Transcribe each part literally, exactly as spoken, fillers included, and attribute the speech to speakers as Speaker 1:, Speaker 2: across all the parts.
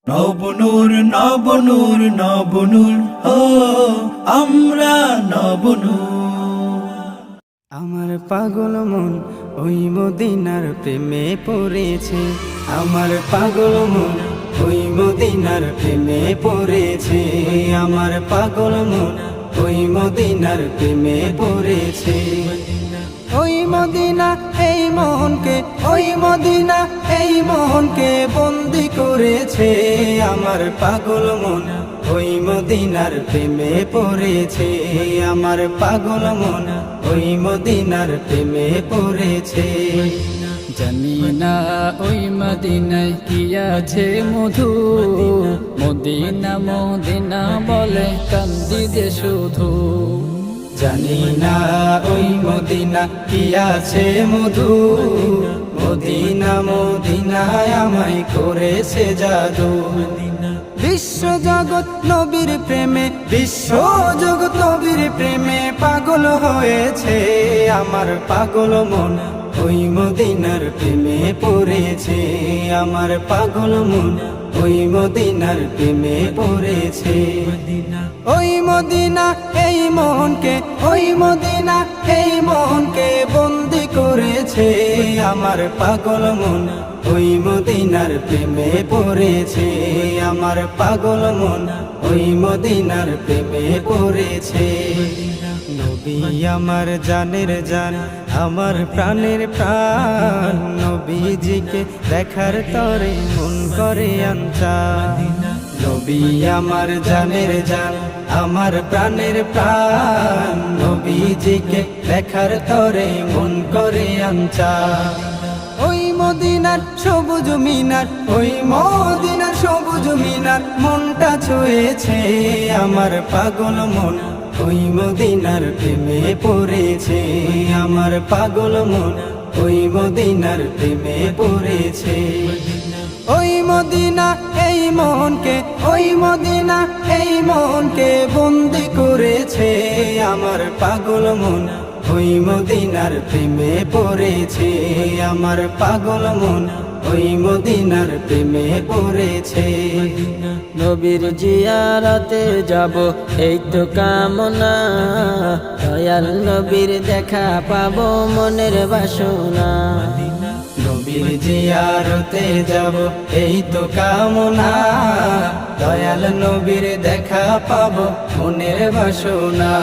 Speaker 1: নবনূর নবনূর নবনূর ও আমরা নবনূর।
Speaker 2: আমার পাগল মন ওই মদিনার প্রেমে পড়েছে, আমার পাগল মন ওই মদিনার প্রেমে পড়েছে, আমার পাগল মন ওই মদিনার প্রেমে পড়েছে। ওই মদিনা এই মনকে, ওই মদিনা এই মনকে বন্দি করেছে, আমার পাগল মন ওই মদিনার প্রেমে পড়েছে, আমার পাগল মন ওই মদিনার প্রেমে পড়েছে।
Speaker 3: জানি না ওই মদিনায় কি আছে মধু, মদিনা মদিনা বলে কান্দি দে শুধু।
Speaker 2: জানি না ওই মদিনা কি আছে মধু, মদিনা মদিনায় আমায় করেছে জাদু। বিশ্ব জগৎ নবীর প্রেমে, বিশ্ব জগৎ নবীর প্রেমে পাগল হয়েছে, আমার পাগল মন ওই মদিনার প্রেমে পড়েছে, আমার পাগল মন ওই মদিনার প্রেমে পড়েছে। ওই মদিনা এই মনকে, ওই মদিনা এই মনকে বন্দি করেছে, আমার পাগল মন ওই মদিনার প্রেমে পড়েছে, আমার পাগল মন ওই মদিনার প্রেমে পড়েছে। নবী আমার জানের জান, আমার প্রাণের প্রাণ, নবীজিকে দেখার তরে মন করে আনচান। নবী আমার জানের জান, আমার প্রাণের প্রাণ, নবীজিকে দেখার তরে মন করে আনচান। ওই মদিনার সবুজ মিনার, ওই মদিনার সবুজ মিনার মনটা ছুঁয়েছে, আমার পাগল মন ওই মদিনার প্রেমে পড়েছে, আমার পাগল মন ওই মদিনার প্রেমে পড়েছে। ওই মদিনা এই মনকে, ওই মদিনা এই মনকে বন্দি করেছে, আমার পাগল মন ওই মদিনার প্রেমে পড়েছে, আমার পাগল মন ওই মদিনার প্রেমে পড়েছে।
Speaker 3: নবীর জিয়ারতে যাব এই তো কামনা, দয়াল নবীর দেখা পাবো মনের বাসনা।
Speaker 2: নবীর জিয়ারতে যাব এই তো কামনা, দয়াল নবীর দেখা পাবো মনের বাসনা।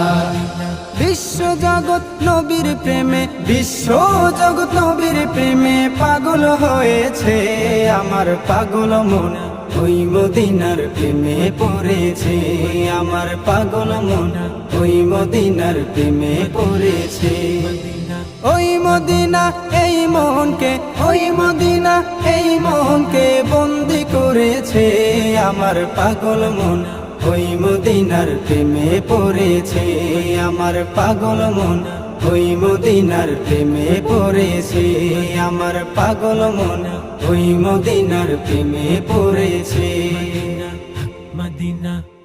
Speaker 2: বিশ্ব জগৎ নবীর প্রেমে, বিশ্ব জগৎ নবীর প্রেমে পাগল হয়েছে, আমার পাগল মন ওই মদিনার প্রেমে পড়েছে, আমার পাগল মন ওই মদিনার প্রেমে পড়েছে। ওই মদিনা এই মনকে, ওই মদিনা এই মনকে বন্দি করেছে, আমার পাগল মন ওই মদিনার প্রেমে পড়েছে, আমার পাগল মন ওই মদিনার প্রেমে পড়েছে, আমার পাগল মন ওই মদিনার প্রেমে পড়েছে।
Speaker 1: মদিনা